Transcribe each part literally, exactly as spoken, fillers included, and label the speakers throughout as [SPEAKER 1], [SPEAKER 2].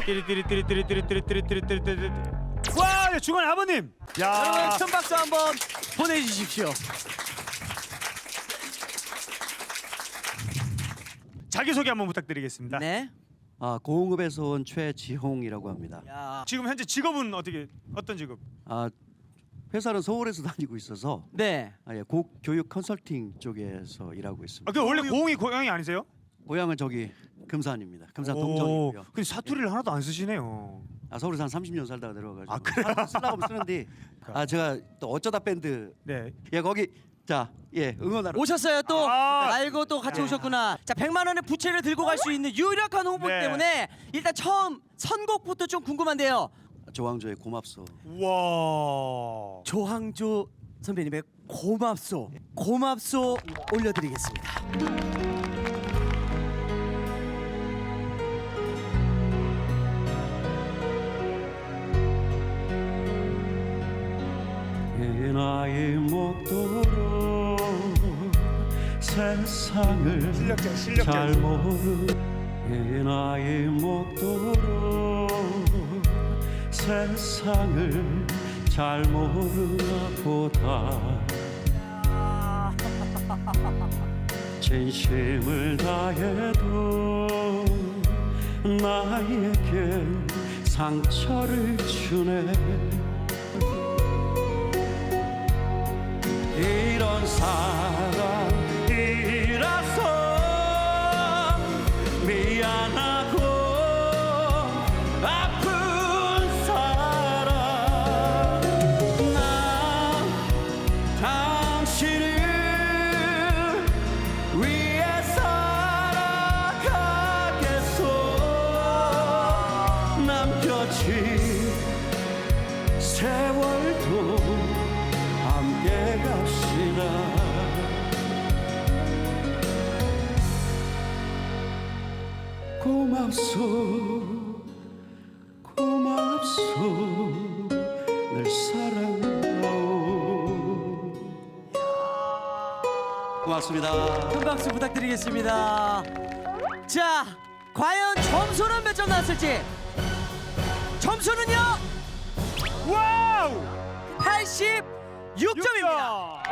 [SPEAKER 1] 띠리띠리띠리띠리띠리띠리띠리띠리띠리. 와, 중간에 아버님. 야,
[SPEAKER 2] 여러분 큰 박수 한번 보내주십시오.
[SPEAKER 1] 자기 소개 한번 부탁드리겠습니다.
[SPEAKER 2] 네.
[SPEAKER 3] 아, 고흥읍에서 온 최지홍이라고 합니다.
[SPEAKER 2] 야.
[SPEAKER 1] 지금 현재 직업은 어떻게 어떤 직업?
[SPEAKER 3] 아, 회사는 서울에서 다니고 있어서
[SPEAKER 2] 네.
[SPEAKER 3] 아, 예, 고, 교육 컨설팅 쪽에서 일하고 있습니다.
[SPEAKER 1] 아, 그 원래 고흥이 고향이 아니세요?
[SPEAKER 3] 고향은 저기 금산입니다. 금산
[SPEAKER 1] 오,
[SPEAKER 3] 동정이고요.
[SPEAKER 1] 근데 사투리를 하나도 안 쓰시네요.
[SPEAKER 3] 아, 서울에서 한 삼십 년 살다가 내려와가지고
[SPEAKER 1] 아, 그래요?
[SPEAKER 3] 쓰려고 하면 쓰는데 아, 제가 또 어쩌다 밴드
[SPEAKER 1] 네.
[SPEAKER 3] 예 거기 자, 예 응원하러
[SPEAKER 2] 오셨어요 또.
[SPEAKER 1] 아.
[SPEAKER 2] 알고 또 같이 오셨구나. 자, 백만 원의 부채를 들고 갈 수 있는 유력한 홍보
[SPEAKER 1] 네.
[SPEAKER 2] 때문에 일단 처음 선곡부터 좀 궁금한데요.
[SPEAKER 3] 조항조의 고맙소.
[SPEAKER 1] 와.
[SPEAKER 2] 조항조 선배님의 고맙소 고맙소 올려드리겠습니다.
[SPEAKER 3] 이 나이 먹도록 세상을
[SPEAKER 1] 실력자, 실력자.
[SPEAKER 3] 잘 모르 이 나이 먹도록 세상을 잘 모르나 보다 진심을 다해도 나에게 상처를 주네 이런 사람이라서 미안하고 아픈 사람 난 당신을 위해 살아가겠소 남겨진 세월도 함께 갑시다 고맙소 고맙소 늘 사랑하오 고맙습니다.
[SPEAKER 2] 큰 박수 부탁드리겠습니다. 자, 과연 점수는 몇 점 나왔을지. 점수는요
[SPEAKER 1] 와우!
[SPEAKER 2] 팔십육 점입니다.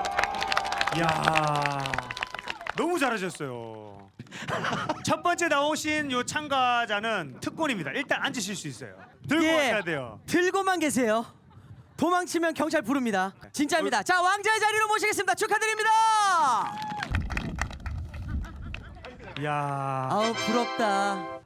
[SPEAKER 1] 야, 너무 잘하셨어요. 첫 번째 나오신 요 참가자는 특권입니다. 일단 앉으실 수 있어요. 들고
[SPEAKER 2] 예.
[SPEAKER 1] 가셔야 돼요.
[SPEAKER 2] 들고만 계세요. 도망치면 경찰 부릅니다. 진짜입니다. 자, 왕자의 자리로 모시겠습니다. 축하드립니다.
[SPEAKER 1] 야.
[SPEAKER 2] 아우 부럽다.